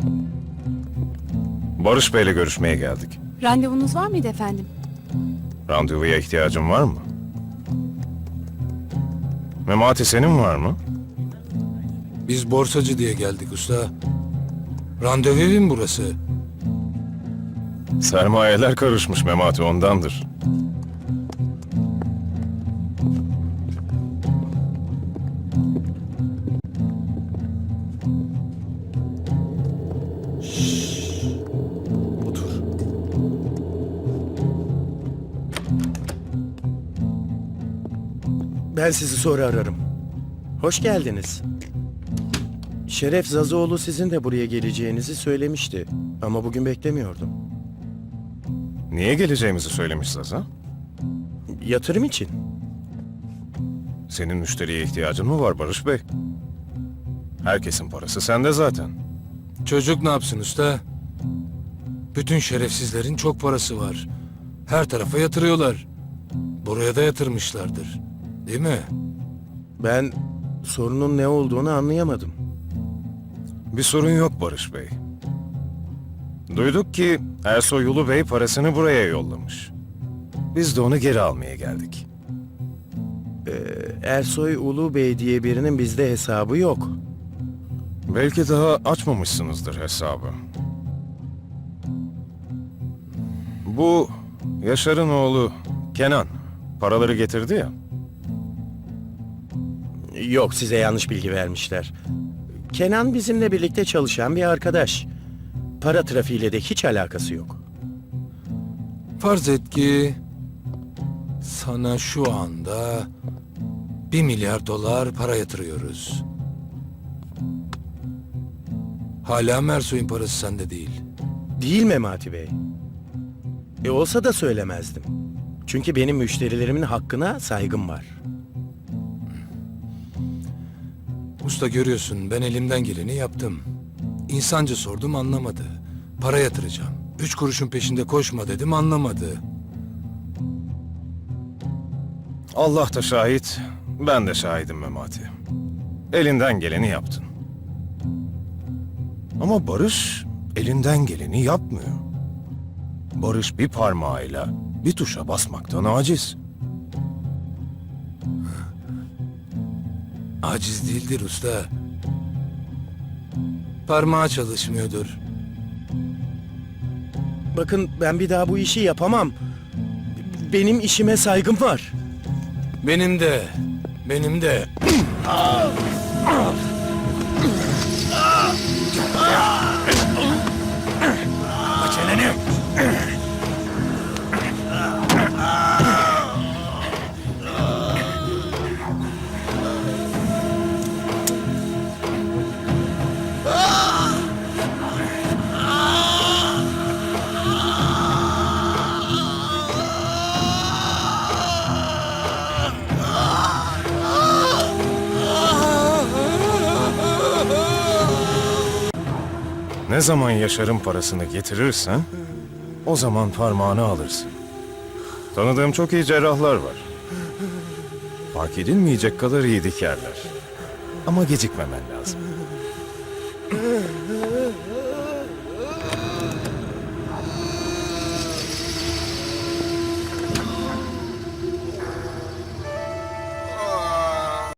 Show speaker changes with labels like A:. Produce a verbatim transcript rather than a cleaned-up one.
A: Barış Bey'le görüşmeye geldik.
B: Randevunuz var mıydı efendim?
A: Randevuya ihtiyacın var mı? Memati senin var mı?
C: Biz borsacı diye geldik usta. Randevu evi mi burası?
A: Sermayeler karışmış Memati, ondandır.
D: Otur. Ben sizi sonra ararım. Hoş geldiniz. Şeref Zazoğlu sizin de buraya geleceğinizi söylemişti. Ama bugün beklemiyordum.
A: Niye geleceğimizi söylemiş Zaza?
D: Yatırım için.
A: Senin müşteriye ihtiyacın mı var Barış Bey? Herkesin parası sende zaten.
C: Çocuk ne yapsın usta? Bütün şerefsizlerin çok parası var. Her tarafa yatırıyorlar. Buraya da yatırmışlardır. Değil mi?
D: Ben sorunun ne olduğunu anlayamadım.
A: Bir sorun yok Barış Bey. Duyduk ki Ersoy Ulu Bey parasını buraya yollamış. Biz de onu geri almaya geldik.
D: Ersoy Ulu Bey diye birinin bizde hesabı yok.
A: Belki daha açmamışsınızdır hesabı. Bu Yaşar'ın oğlu Kenan paraları getirdi ya.
D: Yok, size yanlış bilgi vermişler. Kenan bizimle birlikte çalışan bir arkadaş. Para trafiğiyle de hiç alakası yok.
C: Farz et ki sana şu anda bir milyar dolar para yatırıyoruz. Hala Mersoy'un parası sende değil.
D: Değil Memati Bey. E olsa da söylemezdim. Çünkü benim müşterilerimin hakkına saygım var.
C: Usta görüyorsun, ben elimden geleni yaptım. İnsanca sordum, anlamadı. Para yatıracağım. Üç kuruşun peşinde koşma dedim, anlamadı.
A: Allah da şahit, ben de şahidim Memati. Elinden geleni yaptın. Ama Barış elinden geleni yapmıyor. Barış bir parmağıyla bir tuşa basmaktan aciz.
C: Aciz değildir usta. Parmağı çalışmıyordur.
D: Bakın, ben bir daha bu işi yapamam. Benim işime saygım var.
C: Benim de, benim de. Aç elini.
A: Ne zaman Yaşar'ın parasını getirirsen, o zaman parmağını alırsın. Tanıdığım çok iyi cerrahlar var. Fark edilmeyecek kadar iyi dikerler. Ama gecikmemen lazım.